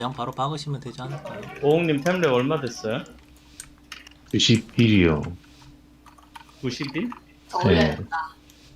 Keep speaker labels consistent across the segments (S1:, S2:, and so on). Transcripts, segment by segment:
S1: 그냥 바로 박으시면 되지 않을까요?
S2: 오홍님 템레 얼마 됐어요?
S3: 91이요.
S2: 90일?
S4: 더
S3: 네.
S4: 올려야겠다.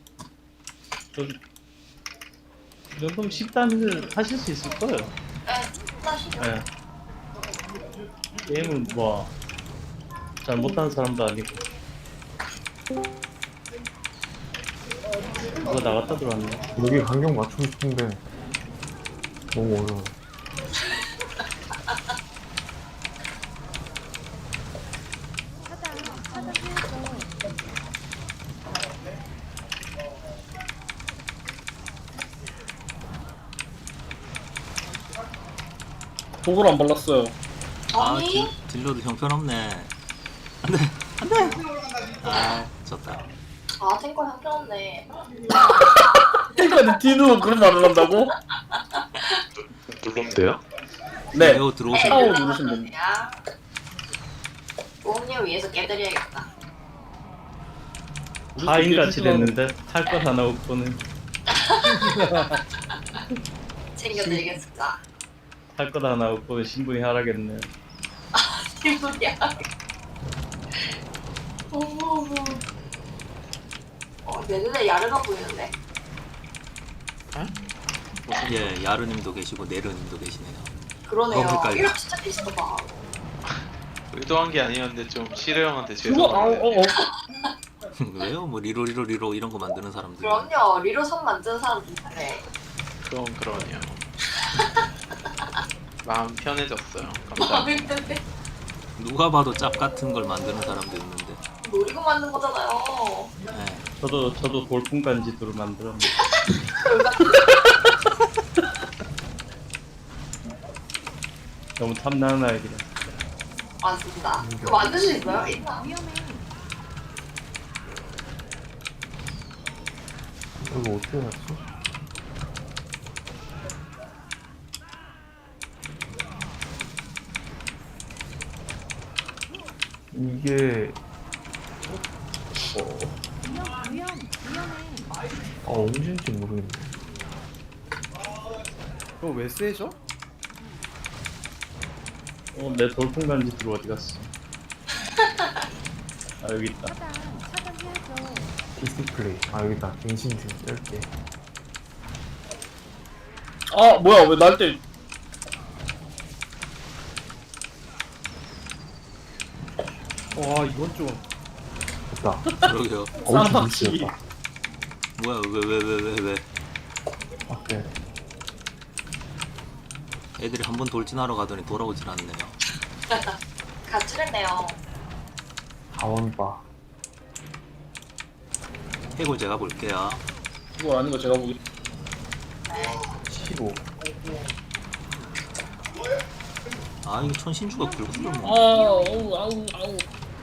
S2: 이 정도면 10단을 하실 수 있을 거예요.
S4: 네, 다시요.
S2: 네. 게임은 뭐 잘 못하는 사람도 아니고. 누가 나갔다 들어왔네.
S5: 여기 간격 맞추고 싶은데 너무 어려워.
S6: 독을 안 발랐어요.
S4: 아니?
S1: 딜러도 형편없네. 안돼 안돼. 아 졌다.
S4: 아, 탱커 형편없네.
S6: 그러니까 뒤로 그런 말을 한다고?
S3: 누르면 돼요?
S6: 네.
S1: 매우 들어오신
S6: 타워
S1: 분.
S6: 누르시면 됩니다.
S4: 야. 오음님 위해서 깨드려야겠다.
S2: 하인같이 됐는데 탈 것 하나 없고는
S4: 챙겨드리겠습니다.
S2: 탈 것 하나 없고는 신분이 하락했네.
S4: 기분이야. 어머. 내 눈에 야르가 보이는데?
S1: 예, 야르님도 계시고 네르님도 계시네요.
S4: 그러네요.
S1: 헷갈려.
S4: 이거 진짜 비슷하다.
S7: 의도한 게 아니었는데 좀 시르 형한테
S6: 그거
S7: 죄송한데
S1: 왜요? 뭐 리로 이런 거 만드는 사람들.
S4: 그럼요. 리로 선 만드는 사람도 있네.
S7: 그럼 그러네요. 마음 편해졌어요. 감사합니다.
S4: 마음인데
S1: 누가 봐도 짭 같은 걸 만드는 사람도 있는데.
S4: 노리고 만든 거잖아요.
S1: 예.
S2: 저도 돌풍간지도를 만들었는데 너무 탐나는 아이디라.
S4: 맞습니다. 그거 만들 수 있어요? 있나?
S5: 이거 어떻게 났지? 이게 언제인지 모르겠네.
S6: 그거 왜 세죠?
S2: 내 돌풍간지도 어디 갔어? 아 여기 있다.
S5: 디스플레이. 아 여기다. 갱신주 10개.
S6: 아 뭐야 왜 날 때? 와 이건 좀
S5: 됐다.
S1: 그러게요.
S5: 엄청
S6: 쌍박이.
S5: 미치겠다.
S1: 뭐야 왜?
S5: 오케이.
S1: 애들이 한 번 돌진하러 가더니 돌아오질 않네요.
S4: 가출했네요.
S5: 가원바.
S1: 해골 제가 볼게요.
S6: 그거 아닌 거 제가 보기.
S5: 15.
S1: 아 이거 천신주가 긁어서
S6: 아
S1: 뭐.
S6: 아우.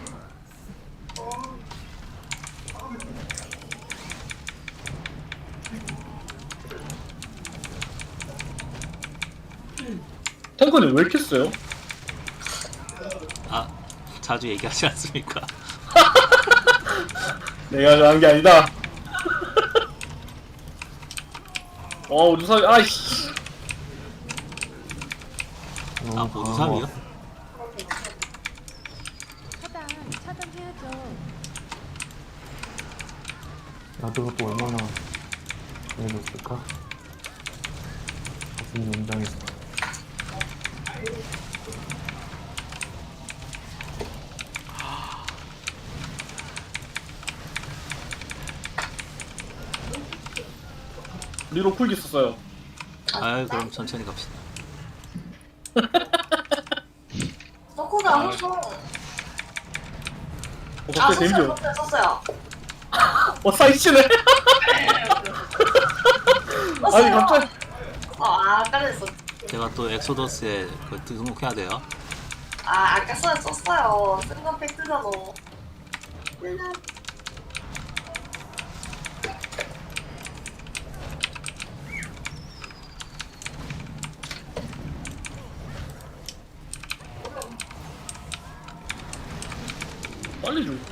S6: 탱커님 왜 이렇게 세요?
S1: 아 자주 얘기하지 않습니까?
S6: 내가 잘한 게 아니다. 우주사위 아이씨.
S1: 아 보드삽이요?
S5: 나도 또 얼마나 잘해줬을까? 무슨 농장에서.
S6: 리로 쿨기 썼어요.
S1: 아 그럼 천천히 갑시다.
S4: 서코가 호송.
S6: 갑자기 데미지.
S4: 썼어요.
S6: 사이치네. 아니 갑자기.
S4: 아까 됐어.
S1: 제가 또 엑소더스에 그 등록해야 돼요.
S4: 아까 썼어요. 쓴 건 팩트잖아.
S6: 빨리 줘.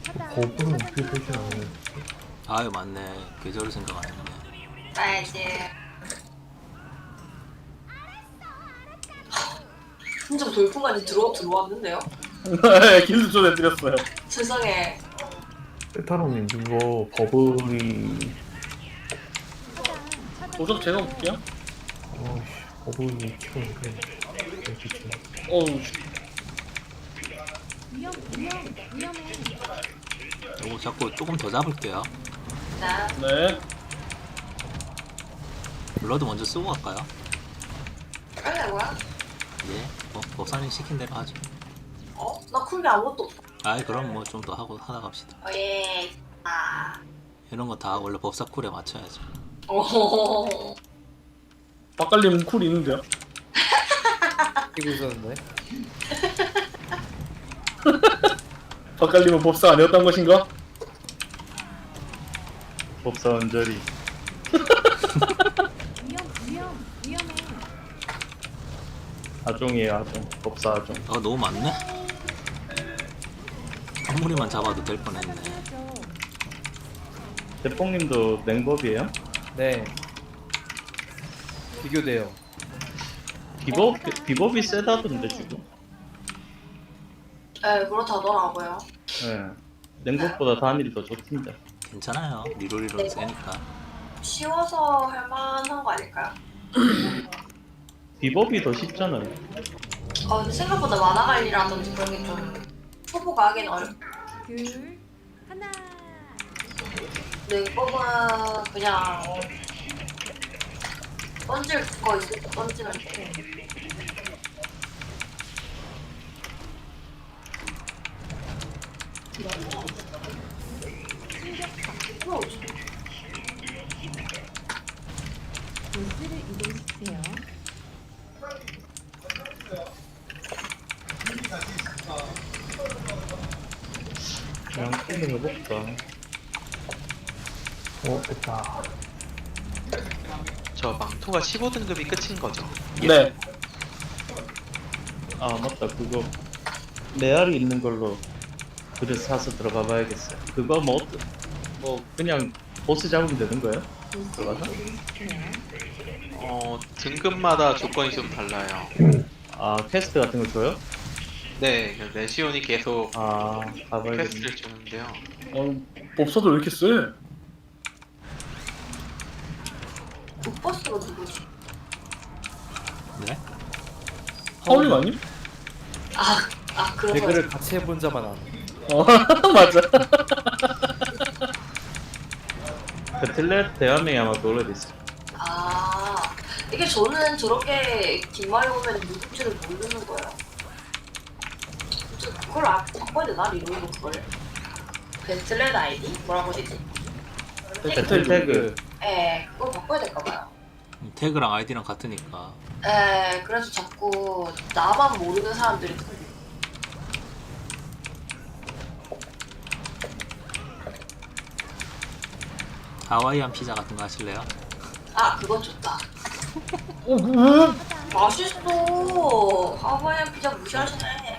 S5: 거부는 어떻게 설치하는
S1: 아유 맞네. 계절을 생각 안 했네.
S4: 알지. 진짜 돌풍까지 들어왔는데요?
S6: 네, 길드 초대드렸어요.
S4: 세상에.
S5: 세타로님 그거 버블이
S6: 도적 제가 볼게요.
S5: 어이씨 버블이 키우는데 어떻게
S6: 어우,
S8: 위험해.
S1: 요거 자꾸 조금 더 잡을게요.
S4: 나
S6: 네.
S1: 블러드 먼저 쓰고 갈까요?
S4: 그러려고요?
S1: 예. 법사님 시킨 대로 하죠.
S4: 어? 나 쿨게 아무것도 없어.
S1: 아이 그럼 뭐 좀 더 하고 하다 갑시다.
S4: 예. 아.
S1: 이런 거 다 원래 법사 쿨에 맞춰야죠.
S4: 오.
S6: 박갈림 쿨 있는데요?
S9: 끼고 있었는데.
S6: 박갈림은 법사 아니었던 것인가?
S2: 법사 언저리.
S8: 위험해.
S2: 아종이에요 아종. 법사 아종.
S1: 아 너무 많네. 한 무리만 잡아도 될 뻔했네.
S2: 대뽕님도 냉법이에요?
S9: 네. 비교돼요.
S2: 비법이 세다던데 지금.
S4: 네, 그렇다더라고요.
S2: 예. 냉법보다 단일이 더 좋던데.
S1: 괜찮아요. 리롤리롤 세니까.
S4: 쉬워서 할만한 거 아닐까요?
S2: 비법이 더 쉽잖아요.
S4: 근데 생각보다 만화 관리라든지 그런 게 좀 초보가 하긴 어렵.
S8: 둘, 하나.
S4: 냉법은 그냥 던질 거 있을 때 던지면 돼.
S8: 보스를 이동시키세요.
S2: 그냥 힐링 해볼까.
S5: 됐다
S7: 저 망토가 15등급이 끝인 거죠.
S6: 네.
S2: 아 맞다 그거 레알이 있는 걸로 그릇 사서 들어가 봐야겠어요. 그거 뭐 그냥 보스 잡으면 되는 거예요? 들어가서?
S7: 등급마다 조건이 좀 달라요.
S2: 아 퀘스트 같은 거 줘요?
S7: 네, 레시온이 계속
S2: 아 가봐야겠네.
S7: 퀘스트를 주는데요.
S6: 법사도 왜 이렇게 세?
S4: 북버스가 누구지?
S1: 네?
S6: 하울림 아님?
S4: 그런 거.
S9: 배그를 같이 해본 자만 알아.
S6: 맞아.
S2: 배틀넷 대한민국에 아마 그걸로 돼있어.
S4: 이게 저는 저렇게 뒷말이 오면 누군지를 모르는 거예요. 그걸 바꿔야 되나? 리로이로 그걸? 배틀넷 아이디? 뭐라고 되지?
S2: 배틀 태그.
S4: 예, 그걸 바꿔야 될까봐요.
S1: 태그랑 아이디랑 같으니까.
S4: 예, 그래서 자꾸 나만 모르는 사람들이
S1: 하와이안 피자 같은 거 하실래요?
S4: 그건 좋다.
S6: 왜?
S4: 맛있어. 하와이안 피자 무시하시네.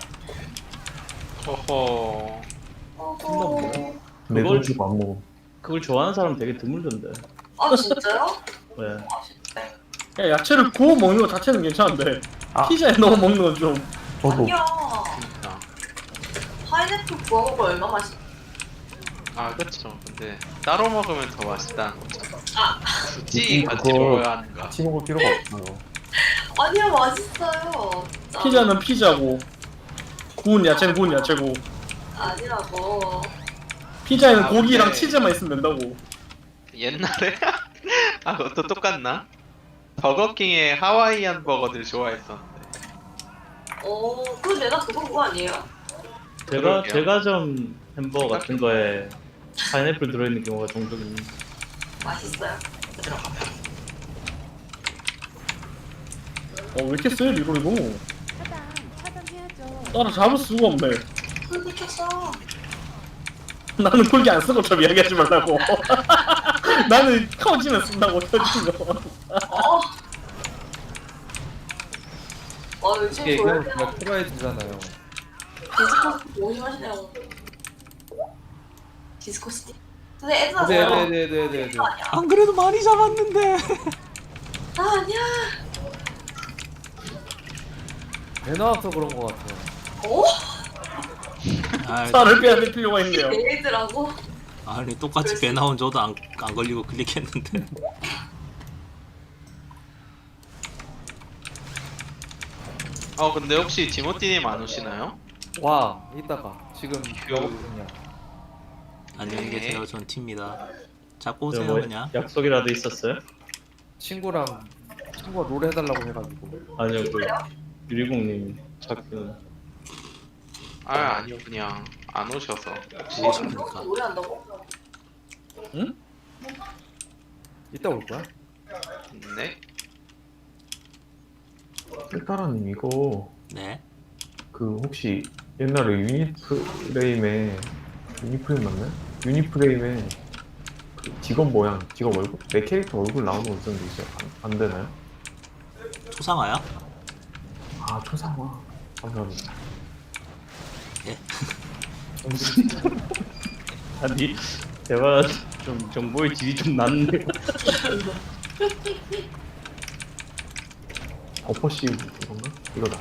S7: 허허.
S4: 어허.
S5: 내돈 주고 안 먹어
S2: 그걸 좋아하는 사람 되게 드물던데.
S4: 진짜요?
S2: 왜?
S4: 맛있대.
S6: 야, 야채를 구워 먹는 거 자체는 괜찮은데
S5: 아.
S6: 피자에 넣어 먹는 건 좀.
S5: 저도
S4: 아니야.
S7: 진짜.
S4: 파인애플 구워 먹으면 얼마 맛있어.
S7: 그쵸. 근데 따로 먹으면 더 맛있다는 거죠. 굳이
S5: 그거
S7: 같이 먹어야 하는가.
S5: 같이 먹을 필요가 없어요
S4: 아니야, 맛있어요. 진짜.
S6: 피자는 피자고 구운 야채는 구운 야채고
S4: 아니라고.
S6: 피자에는 고기랑
S7: 근데
S6: 치즈만 있으면 된다고.
S7: 옛날에 그것도 똑같나? 버거킹의 하와이안 버거들 좋아했었는데.
S4: 그럼 내가 그거 아니에요?
S2: 제가
S7: 그러게요.
S2: 제과점 햄버거 같은 거에 파인애플 들어있는 경우가 종종 있는데.
S4: 맛있어요. 들어가면.
S6: 왜 이렇게 세 이거?
S8: 차단해야죠.
S6: 따라 잡을 수가 없네.
S4: 쿨 미쳤어.
S6: 나는 쿨기 안 쓰고 좀 이야기하지 말라고. 나는 커지면 쓴다고 터진 거.
S4: 요즘
S9: 이게
S4: 돌.
S9: 예, 그냥 풀어야 되잖아요.
S4: 디지털 너무 심하시네요. 디스코시티. 근데 애들 아니야.
S9: 네네네네네.
S1: 안 그래도 많이 잡았는데.
S4: 아니야.
S9: 배 나와서 그런 거 같아.
S4: 어?
S1: 아,
S6: 살을 빼야 될 필요가 있네요.
S4: 애들하고.
S1: 아니 똑같이 배 나온 저도 안 걸리고 클릭했는데.
S7: 근데 혹시 디모티님 안 오시나요?
S9: 와 이따가 지금 배고프냐.
S1: 안녕히
S7: 네.
S1: 계세요. 전 티입니다. 잡고
S2: 저
S1: 오세요
S2: 뭐
S1: 그냥.
S2: 약속이라도 있었어요?
S9: 친구가 롤 해달라고 해가지고.
S2: 아니요 그 유리공님 찾기는.
S7: 아니요, 그냥 안 오셔서.
S4: 어,
S1: 그러니까.
S4: 노래 한다고?
S9: 이따 올 거야?
S7: 네?
S5: 필타라님 이거
S1: 네.
S5: 그 혹시 옛날에 유니프레임에 유니프레임 맞나요? 유니프레임에 그 직업 모양, 직업 얼굴? 내 캐릭터 얼굴 나오는 거 있었는데 이제 안 되나요?
S1: 초상화야?
S5: 아 초상화 감사합니다.
S1: 예.
S2: 아니 대화 좀 정보의 질이 좀 낮네요.
S5: 버퍼시 이건가? 이거다.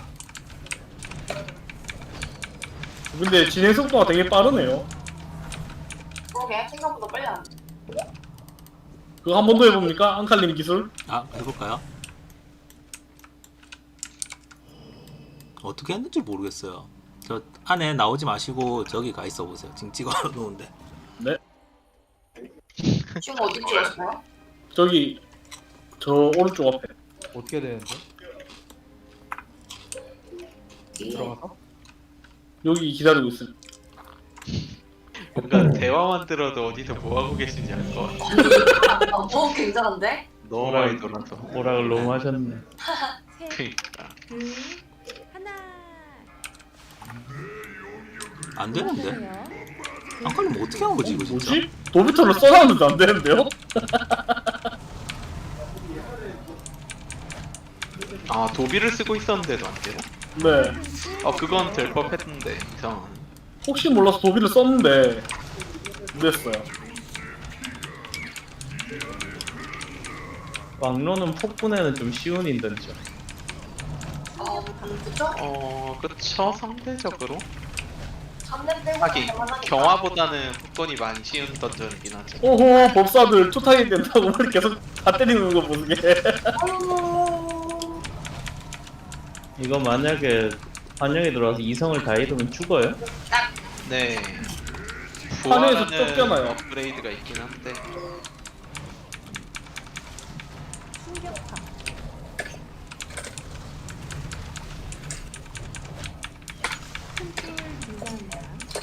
S6: 근데 진행 속도가 되게 빠르네요.
S4: 그러게 생각보다 빨리 안 돼.
S6: 그거 한 번 더 해봅니까? 앙칼님 기술?
S1: 아 해볼까요? 어떻게 했는지 모르겠어요. 저 안에 나오지 마시고 저기 가 있어 보세요. 지금 찍어 놓은데.
S6: 네.
S4: 지금 어디 찍었어요?
S6: 저기 저 오른쪽 앞에.
S9: 어떻게 되는데? 들어가서?
S6: 여기 기다리고 있어요.
S7: 뭔가 대화만 들어도 어디서 뭐 하고 계신지 알 것 같아.
S4: 굉장한데?
S7: 너무 많이 돌아서.
S2: 오락을 너무 하셨네.
S8: 셋,
S7: 그니까.
S8: 둘, 하나.
S1: 안 되는데?
S8: 보세요.
S1: 안 걸리면 어떻게 한 거지 이거 진짜?
S6: 뭐지? 도비터를 써놨는데 안 되는데요?
S7: 도비를 쓰고 있었는데도 안 돼요?
S6: 네.
S7: 그건 될 법했는데 이상한.
S6: 혹시 몰라서 도비를 썼는데 안 됐어요.
S2: 왕로는 폭군에는 좀 쉬운 인던죠.
S4: 그쵸?
S7: 그쵸, 상대적으로.
S4: 3렙 빼고
S7: 하긴 경화보다는 폭건이 많이 쉬운 던전이긴 하죠.
S6: 오호 법사들 투타이 된다고 머리 계속 다 때리는 거 보게.
S2: 이거 만약에 환영에 들어와서 이성을 다 잃으면 죽어요?
S7: 네.
S6: 판에서
S7: 부활하는
S6: 쫓겨나요.
S7: 업그레이드가 있긴 한데.
S8: 충격파. 큰불 유지합니다.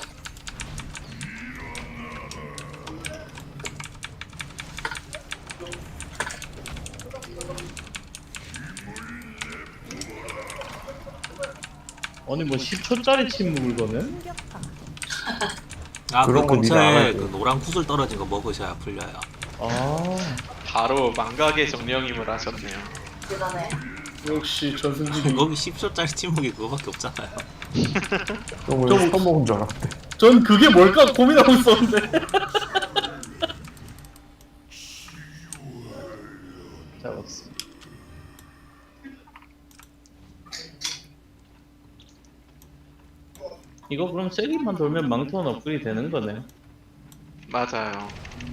S2: 아니 뭐 10초짜리 침묵을 거는?
S8: 충격파.
S1: 아 그
S5: 그런 거 네가
S1: 근처에
S5: 알아야지.
S1: 그 노란 구슬 떨어진 거 먹으셔야 풀려요.
S2: 아
S7: 바로 망각의 정령임을 하셨네요.
S4: 대단해.
S6: 역시 전승진이.
S1: 거기 10초짜리 침묵이 그거밖에 없잖아요.
S5: 너무
S6: 저-
S5: 써먹은 줄 알았대.
S6: 전 그게 뭘까 고민하고 있었는데.
S2: 잡았어. 이거 그럼 세기만 돌면 망토는 업그레이드 되는 거네.
S7: 맞아요.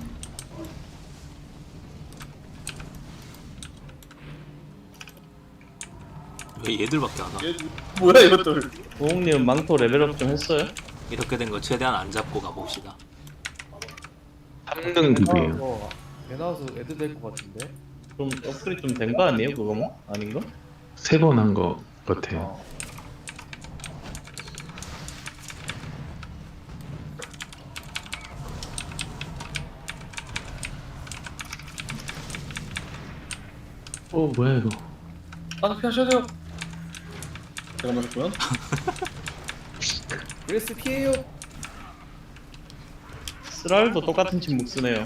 S1: 왜 얘들밖에 안 와?
S6: 뭐야 이것들.
S2: 오홍님은 망토 레벨업 좀 했어요?
S1: 이렇게 된 거 최대한 안 잡고 가봅시다.
S3: 3등급이에요.
S9: 배 나와서 애들 될 것 같은데?
S2: 그럼 업그레이드 좀 된 거 아니에요 그거 뭐? 아닌가?
S3: 3번 한 거 같아요. 뭐야 이거.
S6: 피하셔야 돼요. 제가 맞았고요.
S9: 그레스 피해요.
S2: 스랄도 똑같은 침묵 쓰네요.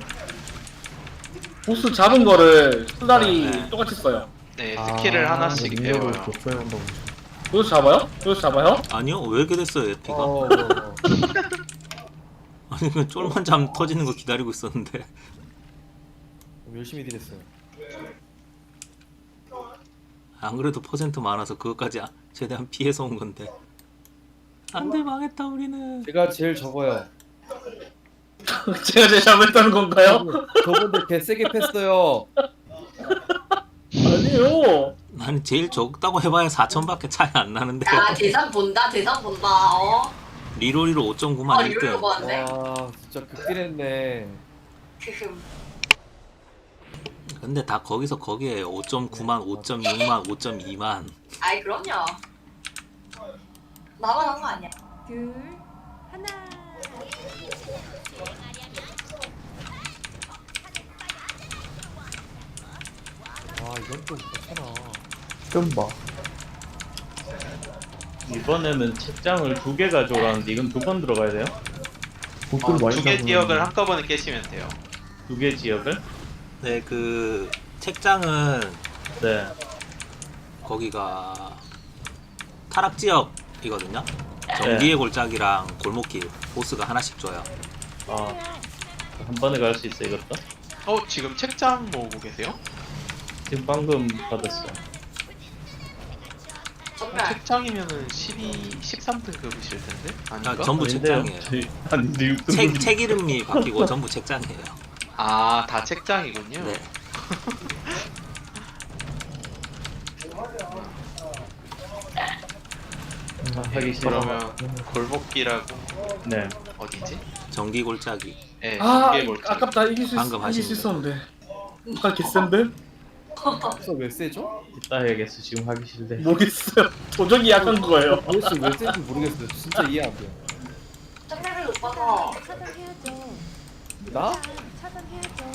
S6: 보스 잡은 거를 수달이
S1: 네.
S6: 똑같이 써요.
S7: 네, 스킬을 하나씩 배워요.
S5: 복사해 한다고.
S6: 여기서 잡아요? 여기서 잡아요?
S1: 아니요 왜 이렇게 됐어요 에피가?
S9: 어.
S1: 아니 아니 그 쫄만 잠 터지는 거 기다리고 있었는데.
S9: 열심히 딜했어요.
S1: 안 그래도 퍼센트 많아서 그것까지 최대한 피해서 온 건데. 안돼 망했다 우리는.
S9: 제가 제일 적어요.
S6: 제가 제일 잘못했다는 건가요?
S9: 저분들 개 세게 팼어요.
S6: 아니요.
S1: 나는 제일 적다고 해봐야 4천밖에 차이 안 나는데.
S4: 야 대상 본다 대상 본다.
S1: 리로리로 5.9만
S4: 이러려고
S1: 1등.
S4: 하는데.
S9: 와 진짜 극딜했네.
S1: 근데 다 거기서 거기에요. 5.9만, 5.6만, 5.2만.
S4: 아이 그럼요. 나만 한 거 아니야.
S8: 둘, 하나.
S9: 와 이건 좀 그렇잖아.
S5: 좀 봐.
S2: 이번에는 책장을 2개 가져오라는데 이건 2번 들어가야 돼요?
S5: 복근 많이
S7: 2개
S5: 잡으면-
S7: 지역을 한꺼번에 깨시면 돼요.
S2: 2개 지역을?
S1: 네, 그 책장은
S2: 네.
S1: 거기가 타락 지역이거든요. 전기의 골짜기랑 골목길 보스가 하나씩 줘요.
S2: 아, 한 번에 갈 수 있어 이것도?
S7: 지금 책장 모으고 계세요?
S2: 지금 방금 받았어.
S4: 정말.
S7: 책장이면은 13등급이실 텐데? 아닌가?
S1: 전부
S2: 아닌데요?
S1: 책장이에요.
S2: 아닌데 6등.
S1: 책 이름이 바뀌고 전부 책장이에요.
S7: 아, 다 책장이군요.
S1: 네.
S2: 하기 싫어.
S7: 그러면 골목길하고
S2: 네.
S7: 어디지?
S1: 전기 골짜기.
S7: 네,
S6: 아,
S7: 전개 골짜기.
S6: 아깝다. 이길 수
S1: 방금
S6: 이길 수
S1: 하신
S6: 있었는데. 아, 개센데?
S9: 그래서 왜 세죠?
S2: 이따 해야겠어. 지금 하기 싫대.
S6: 모르겠어요. 도적이 약한 거예요.
S9: 도대체 왜 센지 모르겠어요. 진짜 이해 안 돼요.
S4: 짱레벨 오빠가
S8: 차단해야죠.
S9: 나?
S8: 차단해야죠.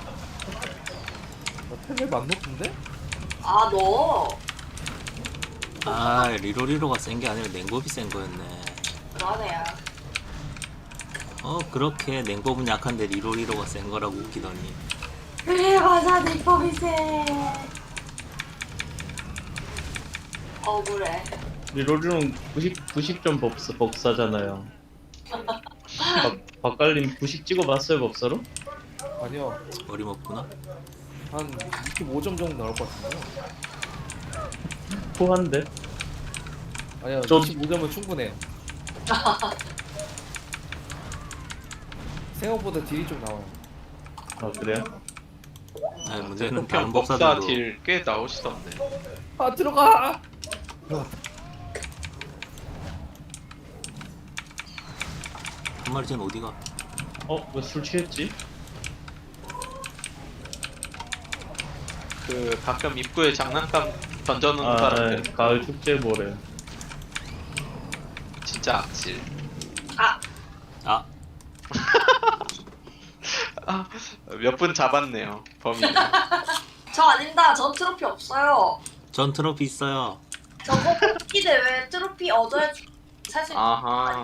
S9: 나 템을 안 높은데?
S4: 아 너.
S1: 아, 리로리로가 센 게 아니라 냉법이 센 거였네.
S4: 그러네요.
S1: 그렇게 냉법은 약한데 리로리로가 센 거라고 웃기더니.
S4: 그래 맞아 내 법이 세. 억울해.
S2: 리로리는 90점 법사잖아요. 박갈림 90 찍어봤어요 법사로?
S9: 아니요.
S1: 어림없구나.
S9: 한 25점 정도 나올 것 같은데요.
S2: 포한데?
S9: 아니요.
S6: 저-
S9: 25점은 충분해요. 생각보다 딜이 좀 나와요.
S2: 아 그래요?
S1: 아니, 문제는
S7: 목표
S1: 다른
S7: 법사
S1: 법사들도
S7: 딜 꽤 나오시던데.
S9: 아 들어가!
S1: 한 마리 쟤는 어디가?
S2: 왜 술 취했지?
S7: 그 가끔 입구에 장난감 던져놓는
S2: 아,
S7: 사람들
S2: 네. 가을 축제 모래.
S7: 진짜 악질.
S1: 아,
S7: 몇 분 잡았네요 범인.
S4: 저 아닙니다. 전 트로피 없어요.
S1: 전 트로피 있어요.
S4: 저거 뽑기 대회 트로피 얻어야 사실
S7: 아하.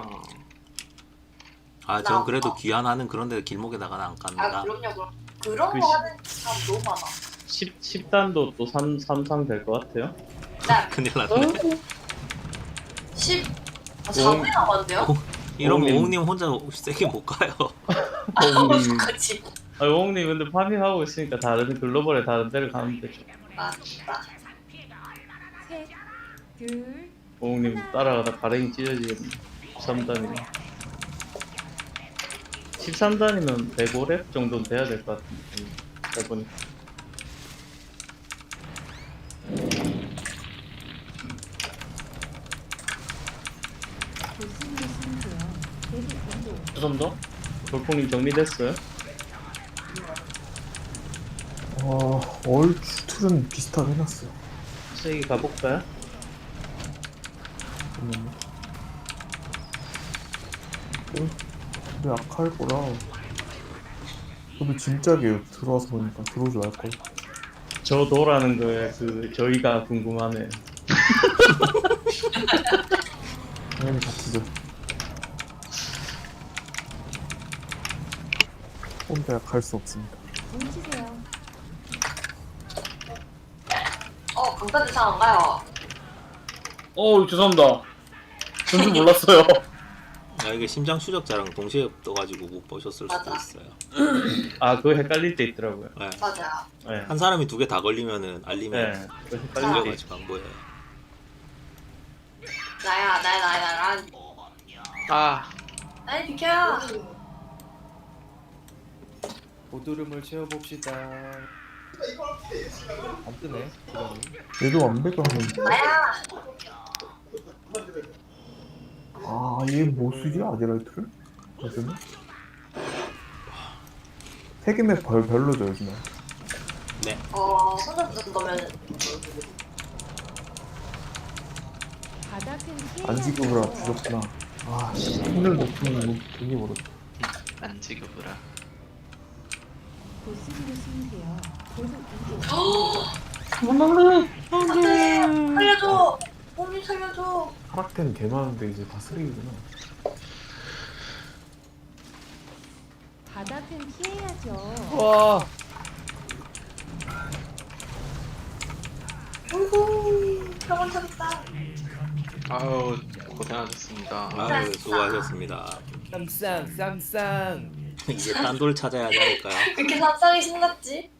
S1: 전 그래도 귀환하는 그런데 길목에다가는 안
S4: 아
S1: 깝니다.
S4: 그럼요 그럼 그런
S2: 그
S4: 거
S2: 시-
S4: 하는 사람 너무 많아.
S2: 10단도 또 3상 될 것 같아요?
S4: 네.
S1: 큰일 났네.
S4: 10 4분이 남았는데요?
S1: 이러면
S2: 오님.
S1: 오웅님 혼자 세게 못 가요.
S4: 어떡하지?
S2: 오홍님 근데 파밍하고 있으니까 다른 글로벌에 다른 데를 가면 되죠.
S4: 맞다.
S8: 셋, 둘,
S2: 오홍님 따라가다 가랭이 찢어지겠네. 13단이면 13단이면 105렙 정도는 돼야 될 것 같은데 해보니까
S8: 조심하시면 돼요. 계속 공도.
S6: 죄송합니다.
S2: 돌풍님 정리됐어요?
S5: 얼추는 비슷하게 해놨어요.
S2: 세게 가볼까요?
S5: 잠깐만요. 근데 약할 거라. 근데 진짜게요. 들어와서 보니까 들어오지 말걸.
S2: 저 도라는 거에 저희가 궁금하네.
S5: 당연히 같이죠. 혼자 약할 수 없습니다.
S8: 뭉치세요.
S4: 강타대상 안 가요.
S6: 죄송합니다. 전줄 몰랐어요.
S1: 야, 이게 심장 추적자랑 동시에 떠가지고 못 보셨을 수도
S4: 맞아.
S1: 있어요.
S2: 아 그거 헷갈릴 때 있더라고요.
S1: 네.
S4: 맞아.
S2: 네.
S1: 한 사람이 두 개 다 걸리면은 알림에
S2: 네. 그거 헷갈릴 때 있-
S1: 걸려가지고 안 보여요.
S4: 나야.
S7: 아
S4: 나야 비켜요.
S9: 보드름을 채워봅시다. 안 뜨네. 그러니.
S5: 얘도 완벽하면
S4: 나야.
S5: 아얘 뭐 쓰지 아제라이트를? 요즘에? 세계맵 별로죠 요즘에.
S1: 네.
S4: 손잡 쓴 거면
S8: 바닥은 피해야죠.
S5: 안 지급으로 주셨구나. 아씨 오늘 높은 되게 멀었다.
S7: 안 지급으라.
S8: 보스로 쓰세요. 보드 이동.
S4: 살려줘. 몸이 살려줘.
S5: 하락템 개 많은데 이제 다 쓰레기구나.
S8: 바닥은 피해야죠.
S9: 와.
S4: 우후. 병원 찾았다.
S7: 아유 고생하셨습니다.
S1: 아유, 수고하셨습니다.
S9: 쌈쌈 쌈쌈.
S1: 이제 딴 돌 찾아야 하지 않을까요?
S4: 왜 이렇게 삼성이 신났지?